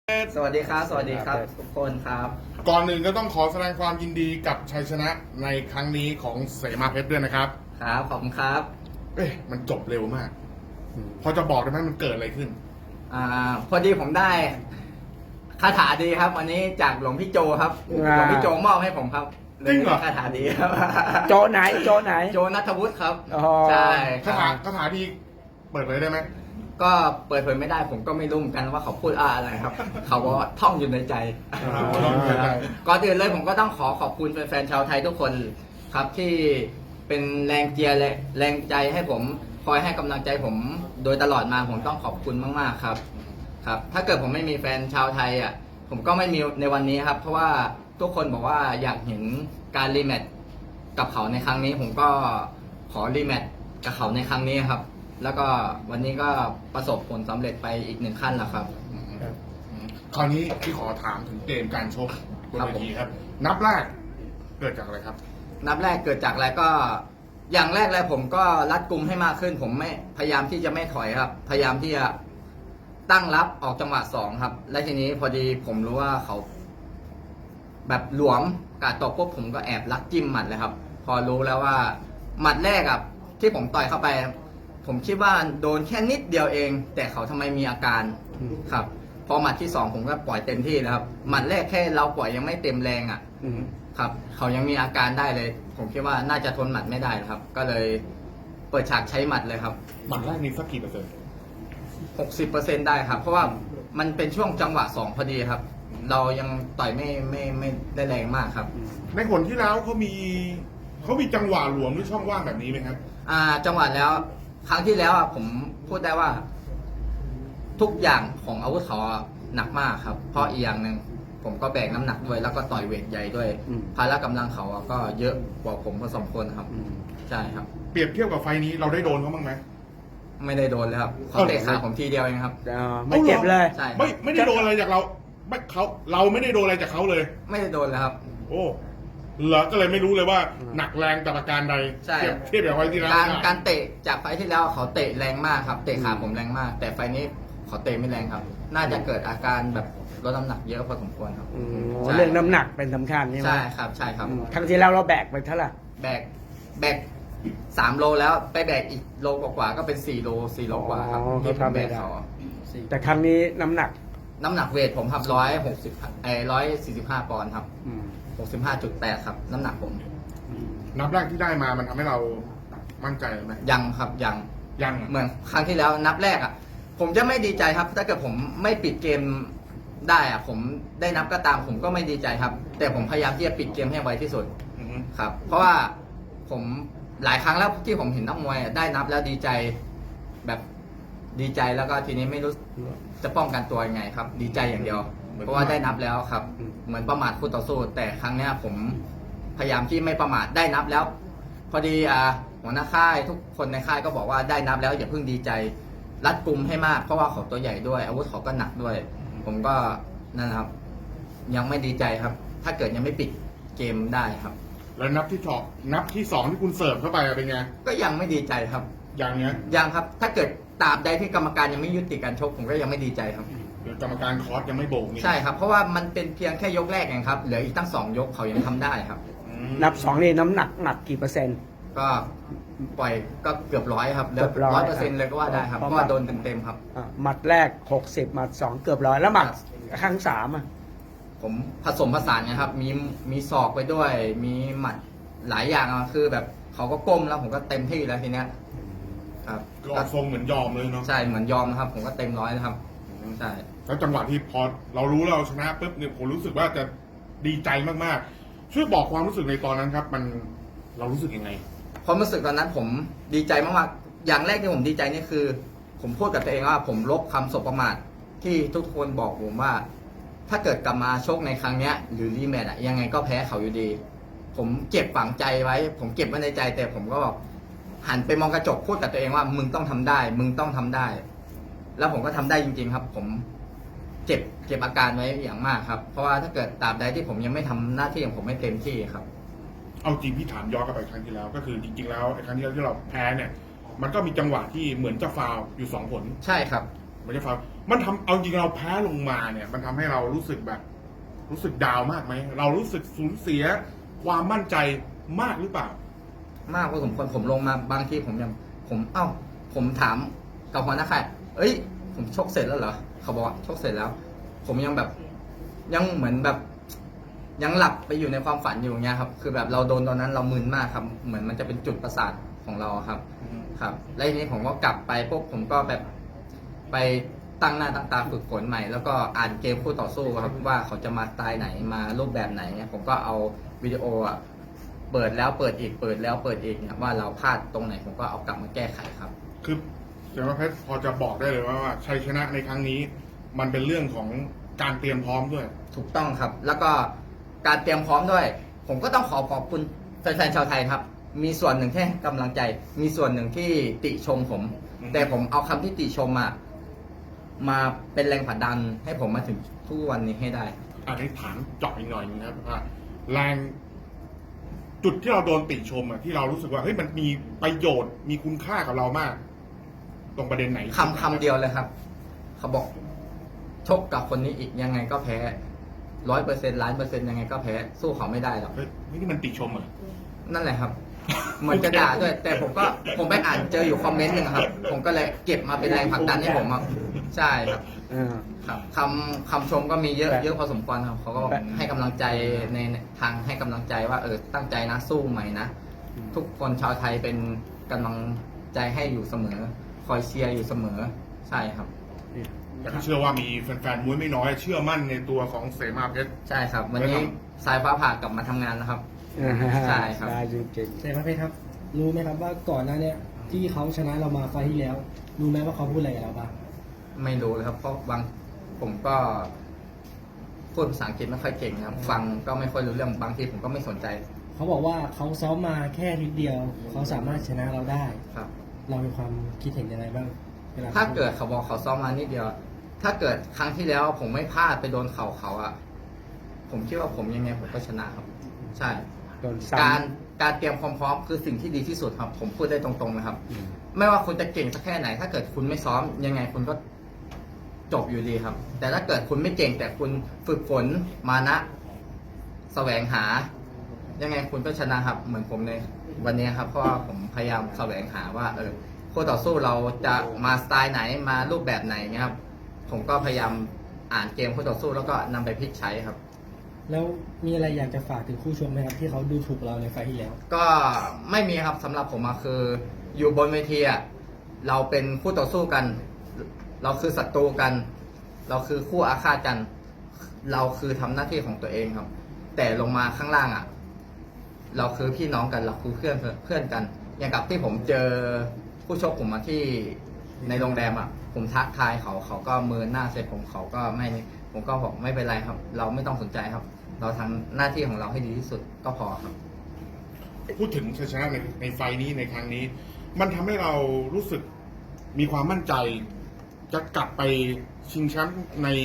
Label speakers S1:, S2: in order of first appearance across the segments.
S1: สวัสดีครับ สวัสดีครับทุกคนครับ
S2: ก่อนหนึ่งก็ต้องขอแสดงความยินดีกับชัยชนะในครั้งนี้ของเสมาเพชรด้วยนะครับ
S1: ครับ ขอบคุณครับ
S2: มันจบเร็วมาก พอจะบอกได้ไหมมันเกิดอะไรขึ้น
S1: พอดีผมได้คาถาดีครับ วันนี้จากหลวงพี่โจครับ หลวงพี่โจมอบให้ผมครับ
S2: จริงเหรอ
S1: คาถาดีครับ
S3: โจไหนโจไหน
S1: โจนัทวุฒิครับ
S3: อ๋อ
S1: ใช่
S2: คาถาดีเปิดเผยได้ไหม
S1: ก็เปิดเผยไม่ได้ผมก็ไม่รู้เหมือนกันว่าเขาพูดอะไรครับ เขาก็ท่องอยู่ในใจ ก่อนอื่นเลยผมก็ต้องขอขอบคุณแฟนๆชาวไทยทุกคนครับที่เป็นแรงเชียร์และแรงใจให้ผมคอยให้กำลังใจผมโดยตลอดมาผมต้องขอบคุณมากๆครับครับ ถ้าเกิดผมไม่มีแฟนชาวไทยอ่ะผมก็ไม่มีในวันนี้ครับ เพราะว่าทุกคนบอกว่าอยากเห็นการรีแมตช์กับเขาในครั้งนี้ ผมก็ขอรีแมตช์กับเขาในครั้งนี้ครับ แล้วก็วันนี้ก็ประสบผลสำเร็จไปอีกหนึ่งขั้นแล้วครับ
S2: คราวนี้ที่ขอถามถึงเกมการชกบนเวทีครับ นับแรกเกิดจากอะไรครับ
S1: นับแรกเกิดจากอะไรก็อย่างแรกเลยผมก็รัดกุมให้มากขึ้น ผมไม่พยายามที่จะไม่ถอยครับ พยายามที่จะตั้งรับออกจังหวะสองครับ และทีนี้พอดีผมรู้ว่าเขา แบบหลวมกาดตกปุ๊บผมก็แอบลักจิ้มหมัดเลยครับ พอรู้แล้วว่าหมัดแรกอะที่ผมต่อยเข้าไป ผมคิดว่าโดนแค่นิดเดียวเอง แต่เขาทำไมมีอาการครับ พอหมัดที่สองผมก็ปล่อยเต็มที่แล้วครับหมัดแรกแค่เราปล่อยยังไม่เต็มแรงอะครับเขายังมีอาการได้เลย ผมคิดว่าน่าจะทนหมัดไม่ได้ครับ ก็เลยเปิดฉากใช้หมัดเลยครับ
S2: หมัดแรกนี้สักกี่เปอร์เซ็นต์
S1: 60%ได้ครับ เพราะว่ามันเป็นช่วงจังหวะ2พอดีครับ เรายังต่อยไม่ได้แรงมากครับ
S2: ในผลที่แล้วเขามีจังหวะหลวมหรือช่องว่างแบบนี้ไหมครับ
S1: จังหวะแล้วครั้งที่แล้วผมพูดได้ว่า ทุกอย่างของอาวุธเขาหนักมากครับ เพราะอีกอย่างหนึ่งผมก็แบกน้ำหนักด้วยแล้วก็ต่อยเวทใหญ่ด้วยพละกำลังเขาก็เยอะกว่าผมพอสมควรครับใช่ครับ
S2: เปรียบเทียบกับไฟนี้เราได้โดนเขาบ้างไหม
S1: ไม่ได้โดนเลยครับเขาเตะขาผมทีเดียวเองครับ
S3: ไม่เจ็บเลย
S1: ใช่ครับ
S2: ไม่ได้โดนอะไรจากเราเราไม่ได้โดนอะไรจากเขาเลย
S1: ไม่ได้โดนเลยครับ
S2: โอ้เหรอก็เลยไม่รู้เลยว่าหนักแรงแต่ประการใด
S1: ใช่
S2: เทียบกับไฟที่แล้ว
S1: การเตะจากไฟที่แล้วเขาเตะแรงมากครับ เตะขาผมแรงมาก แต่ไฟนี้เขาเตะไม่แรงครับ น่าจะเกิดอาการแบบลดน้ำหนักเยอะพอสมควรครับใช่
S3: เรื่องน้ำหนักเป็นสำคัญใช่ไหม
S1: ใช่ครับใช่ครับ
S3: ครั้งที่แล้วเราแบกไปเท่าไหร่
S1: แบก3 โลแล้วไปแบกอีกโลกว่าๆก็เป็น4 โลกว่าครับที่ผมแบกเขา
S3: แต่ครั้งนี้น้ำหนัก
S1: น้ำหนักเวทผมครับ145 ปอนด์ครับ65.8ครับน้ำหนักผม
S2: นับแรกที่ได้มามันทำให้เรามั่นใจไหม
S1: ยังครับยัง
S2: ยัง
S1: เหมือนครั้งที่แล้วนับแรกอ่ะ ผมจะไม่ดีใจครับ ถ้าเกิดผมไม่ปิดเกมได้อ่ะ ผมได้นับก็ตามผมก็ไม่ดีใจครับ แต่ผมพยายามที่จะปิดเกมให้ไวที่สุดครับ เพราะว่าผมหลายครั้งแล้วที่ผมเห็นนักมวยได้นับแล้วดีใจแบบดีใจแล้วก็ทีนี้ไม่รู้จะป้องกันตัวยังไงครับ ดีใจอย่างเดียว เพราะว่าได้นับแล้วครับ เหมือนประมาทคู่ต่อสู้ แต่ครั้งเนี้ยผมพยายามที่ไม่ประมาทได้นับแล้ว พอดีหัวหน้าค่ายทุกคนในค่ายก็บอกว่าได้นับแล้วอย่าเพิ่งดีใจรัดกุมให้มากเพราะว่าเขาตัวใหญ่ด้วยอาวุธเขาก็หนักด้วย ผมก็นั่นนะครับ ยังไม่ดีใจครับ ถ้าเกิดยังไม่ปิดเกมได้ครับ
S2: แล้วนับที่สองที่คุณเสิร์ฟเข้าไปเป็นไง
S1: ก็ยังไม่ดีใจครับ
S2: อย่างเนี้ย
S1: ยังครับ ถ้าเกิดตราบใดที่กรรมการยังไม่ยุติการชกผมก็ยังไม่ดีใจครับ
S2: เดี๋ยวกรรมการคอร์สยังไม่โบกนี่
S1: ใช่ครับ เพราะว่ามันเป็นเพียงแค่ยกแรกเองครับเหลืออีกตั้ง2 ยกเขายังทำได้ครับ
S3: นับสองนี่น้ำหนักกี่เปอร์เซ็นต์
S1: ก็ปล่อยก็เกือบ100ครับเหลือ
S3: เกือบ100
S1: 100%เลยก็ว่าได้ครับ
S3: เพ
S1: เพ
S3: ราะ
S1: ราะว่าโดนเต็มๆครับ
S3: หมัดแรก60หมัดสองเกือบ100แล้วหมัดครั้งสามอ่ะ
S1: ผมผสมผสานกันครับ มีศอกไปด้วย มีหมัดหลายอย่างอะคือแบบเขาก็ก้มแล้วผมก็เต็มที่แล้วทีเนี้ยครับ
S2: ก็ออกทรงเหมือนยอมเลยเนาะ
S1: ใช่เหมือนยอมนะครับ ผมก็เต็มร้อยนะครับใช่
S2: แล้วจังหวะที่พอเรารู้แล้วเราชนะปุ๊บเนี่ยผมรู้สึกว่าจะดีใจมากๆ ช่วยบอกความรู้สึกในตอนนั้นครับ เรารู้สึกยังไง
S1: ความรู้สึกตอนนั้นผมดีใจมากๆอย่างแรกที่ผมดีใจนี่คือ ผมพูดกับตัวเองว่าผมลบคำสบประมาทที่ทุกคนบอกผมว่า ถ้าเกิดกลับมาชกในครั้งเนี้ย หรือรีแมตช์อะยังไงก็แพ้เขาอยู่ดี ผมเก็บฝังใจไว้ ผมเก็บไว้ในใจ แต่ผมก็บอกหันไปมองกระจกพูดกับตัวเองว่ามึงต้องทำได้ มึงต้องทำได้ แล้วผมก็ทำได้จริง ๆ ครับ ผมเก็บอาการไว้อย่างมากครับ เพราะว่าถ้าเกิดตราบใดที่ผมยังไม่ทำหน้าที่ของผมไม่เต็มที่ครับ
S2: เอาจริงพี่ถามย้อนกลับไปครั้งที่แล้ว ก็คือจริงๆแล้วไอ้ครั้งที่แล้วที่เราแพ้เนี่ย มันก็มีจังหวะที่เหมือนจะฟาวล์อยู่2 ผล
S1: ใช่ครับ
S2: มันจะฟาวล์มันทำเอาจริงเราแพ้ลงมาเนี่ย มันทำให้เรารู้สึกแบบ รู้สึกดาวน์มากไหมเรารู้สึกสูญเสียความมั่นใจมากหรือเปล่า
S1: มากพอสมควรผมลงมาบางทีผมถามกับหัวหน้าค่ายเอ้ยผมชกเสร็จแล้วเหรอเขาบอกว่าชกเสร็จแล้ว ผมยังแบบยังเหมือนแบบยังหลับไปอยู่ในความฝันอยู่อย่างเงี้ยครับคือแบบเราโดนตอนนั้นเรามึนมากครับเหมือนมันจะเป็นจุดประสาทของเราครับครับแล้วทีนี้ผมก็กลับไปพวกผมก็แบบไปตั้งหน้าตั้งตาฝึกฝนใหม่ แล้วก็อ่านเกมคู่ต่อสู้ครับว่าเขาจะมาสไตล์ไหนมารูปแบบไหนเนี่ยผมก็เอาวิดีโออ่ะเปิดแล้วเปิดอีกเปิดแล้วเปิดอีกเนี่ยว่าเราพลาดตรงไหนผมก็เอากลับมาแก้ไขครับ
S2: คือเสียเพชรพอจะบอกได้เลยว่าชัยชนะในครั้งนี้ มันเป็นเรื่องของการเตรียมพร้อมด้วย
S1: ถูกต้องครับ แล้วก็การเตรียมพร้อมด้วย ผมก็ต้องขอบคุณแฟนๆชาวไทยครับ มีส่วนหนึ่งที่ให้กำลังใจ มีส่วนหนึ่งที่ติชมผม
S2: อืม
S1: แต่ผมเอาคำที่ติชมมาเป็นแรงผลักดันให้ผมมาถึงทุกวันนี้ให้ได้
S2: อันนี้ถามเจาะอีกหน่อยนึงครับว่าแรงจุดที่เราโดนติชมที่เรารู้สึกว่าเฮ้ยมันมีประโยชน์มีคุณค่ากับเรามาก ตรงประเด็นไหน
S1: คำเดียวเลยครับ เขาบอกชกกับคนนี้อีกยังไงก็แพ้100%1,000,000%ยังไงก็แพ้สู้เขาไม่ได้หรอก
S2: เฮ้ยนี่มันติชมเหรอ
S1: นั่นแหละครับ เหมือนจะด่าด้วย แต่ผมไปอ่านเจออยู่คอมเมนต์หนึ่งครับ ผมก็เลยเก็บมาเป็นแรงผลักดันให้ผมครับใช่ครับ ครับคำชมก็มีเยอะพอสมควรครับเขาก็ให้กำลังใจในทางให้กำลังใจว่าตั้งใจนะสู้ใหม่นะทุกคนชาวไทยเป็นกำลังใจให้อยู่เสมอ คอยเชียร์อยู่เสมอใช่ครับ
S2: แต่ก็เชื่อว่ามีแฟนๆมวยไม่น้อย เชื่อมั่นในตัวของเสมาเพชร
S1: ใช่ครับ วันนี้สายฟ้าผ่ากลับมาทำงานนะครับ ใช่ครับ
S3: ได้จริง
S4: เสมาเพชรครับ รู้ไหมครับว่าก่อนหน้าเนี้ยที่เขาชนะเรามาไฟล์ที่แล้ว รู้ไหมว่าเขาพูดอะไรกับเราบ้าง
S1: ไม่รู้เลยครับ เพราะผมก็พูดภาษาอังกฤษไม่ค่อยเก่งครับ ฟังก็ไม่ค่อยรู้เรื่องบางทีผมก็ไม่สนใจ
S4: เขาบอกว่าเขาซ้อมมาแค่นิดเดียว เขาสามารถชนะเราได้
S1: ครับ
S4: เรามีความคิดเห็นยังไงบ้างวล
S1: ถ้าเกิดเขาบอกเขาซ้อมมานิดเดียว ถ้าเกิดครั้งที่แล้วผมไม่พลาดไปโดนเขาผมคิดว่าผมยังไงผมก็ชนะครับ ใช่
S3: ๆโดนซ้ำ
S1: การเตรียมความพร้อมคือสิ่งที่ดีที่สุดครับ ผมพูดได้ตรงๆนะครับ ไม่ว่าคุณจะเก่งสักแค่ไหน ถ้าเกิดคุณไม่ซ้อมยังไงคุณก็จบอยู่ดีครับ แต่ถ้าเกิดคุณไม่เก่งแต่คุณฝึกฝนมานะแสวงหา ยังไงคุณก็ชนะครับ เหมือนผมในวันนี้ครับ เพราะว่าผมพยายามแสวงหาว่าคู่ต่อสู้เราจะมาสไตล์ไหนมารูปแบบไหนเงี้ยครับ ผมก็พยายามอ่านเกมคู่ต่อสู้แล้วก็นำไปพลิกใช้ครับ
S4: แล้วมีอะไรอยากจะฝากถึงคู่ชกไหมครับที่เขาดูถูกเราในไฟล์ที่แล้ว
S1: ก็ไม่มีครับสำหรับผมคืออยู่บนเวทีเราเป็นคู่ต่อสู้กัน เราคือศัตรูกัน เราคือคู่อาฆาตกัน เราคือทำหน้าที่ของตัวเองครับ แต่ลงมาข้างล่างเราคือพี่น้องกันเราคือเพื่อนกัน อย่างกับที่ผมเจอผู้ชกผมมาที่ในโรงแรมผมทักทายเขาก็เมินหน้าเสร็จเขาก็ไม่ผมก็บอกไม่เป็นไรครับ เราไม่ต้องสนใจครับ เราทำหน้าที่ของเราให้ดีที่สุดก็พอครับ
S2: พูดถึงชัยชนะในไฟล์นี้ในครั้งนี้ มันทำให้เรารู้สึกมีความมั่นใจ จะกลับไปชิงแชมป์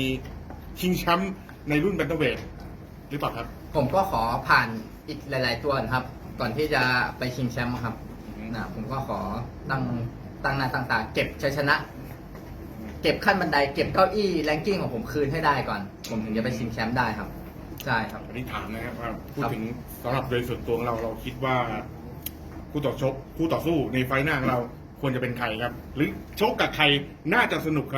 S2: ในรุ่นแบนเทเวทหรือเปล่าครับ
S1: ผมก็ขอผ่านอีกหลาย ๆ ตัวนะครับ ก่อนที่จะไปชิงแชมป์ครับผมก็ขอตั้งหน้าตั้งตาเก็บชัยชนะ เก็บขั้นบันไดเก็บเก้าอี้แรงกิ้งของผมคืนให้ได้ก่อน ผมถึงจะไปชิงแชมป์ได้ครับใช่ครับ
S2: อันนี้ถามนะครับว่าพูดถึงสำหรับโดยส่วนตัวของเราคิดว่าคู่ต่อสู้ในไฟล์หน้าของเราควรจะเป็นใครครับ หรือชกกับใครน่าจะสนุกครับ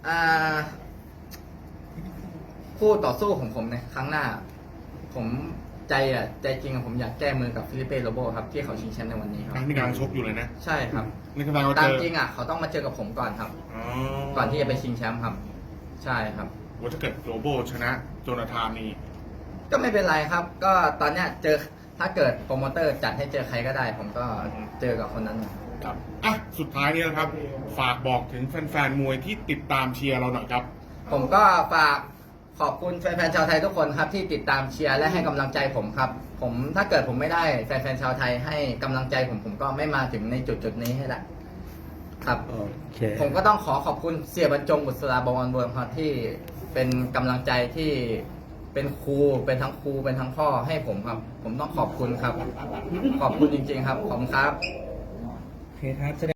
S1: คู่ต่อสู้ของผมในครั้งหน้า ผมใจจริงผมอยากแก้มือกับฟิลิปเป้โรโบครับที่เขาชิงแชมป์ในวันนี้ครับ
S2: นี่กำลังชกอยู่เลยนะ
S1: ใช่ครับ
S2: นี่กำลังเรา
S1: ตา
S2: เจ
S1: ม
S2: อ
S1: จริงเขาต้องมาเจอกับผมก่อนครับ ก่อนที่จะไปชิงแชมป์ครับ ใช่ครับ
S2: ว่าถ้าเกิดโรโบชนะโจนาธานนี่
S1: ก็ไม่เป็นไรครับ ก็ตอนเนี้ยถ้าเกิดโปรโมเตอร์จัดให้เจอใครก็ได้ ผมก็เจอกับคนนั้น
S2: ครับอ่ะสุดท้ายนี้นะครับ ฝากบอกถึงแฟนๆมวยที่ติดตามเชียร์เราหน่อยครับ
S1: ผมก็ฝากขอบคุณแฟนๆชาวไทยทุกคนครับที่ติดตามเชียร์และให้กำลังใจผมครับ ถ้าเกิดผมไม่ได้แฟนๆชาวไทยให้กำลังใจผมก็ไม่มาถึงในจุดนี้ให้ได้ครับ
S3: โอเค
S1: ผมก็ต้องขอบคุณเสียบรรจงบุษราบวรเวิร์มครับที่เป็นกำลังใจที่เป็นครูเป็นทั้งครูเป็นทั้งพ่อให้ผมครับ ผมต้องขอบคุณครับ ขอบคุณจริงๆครับขอบคุณครับ
S4: โอเคครับ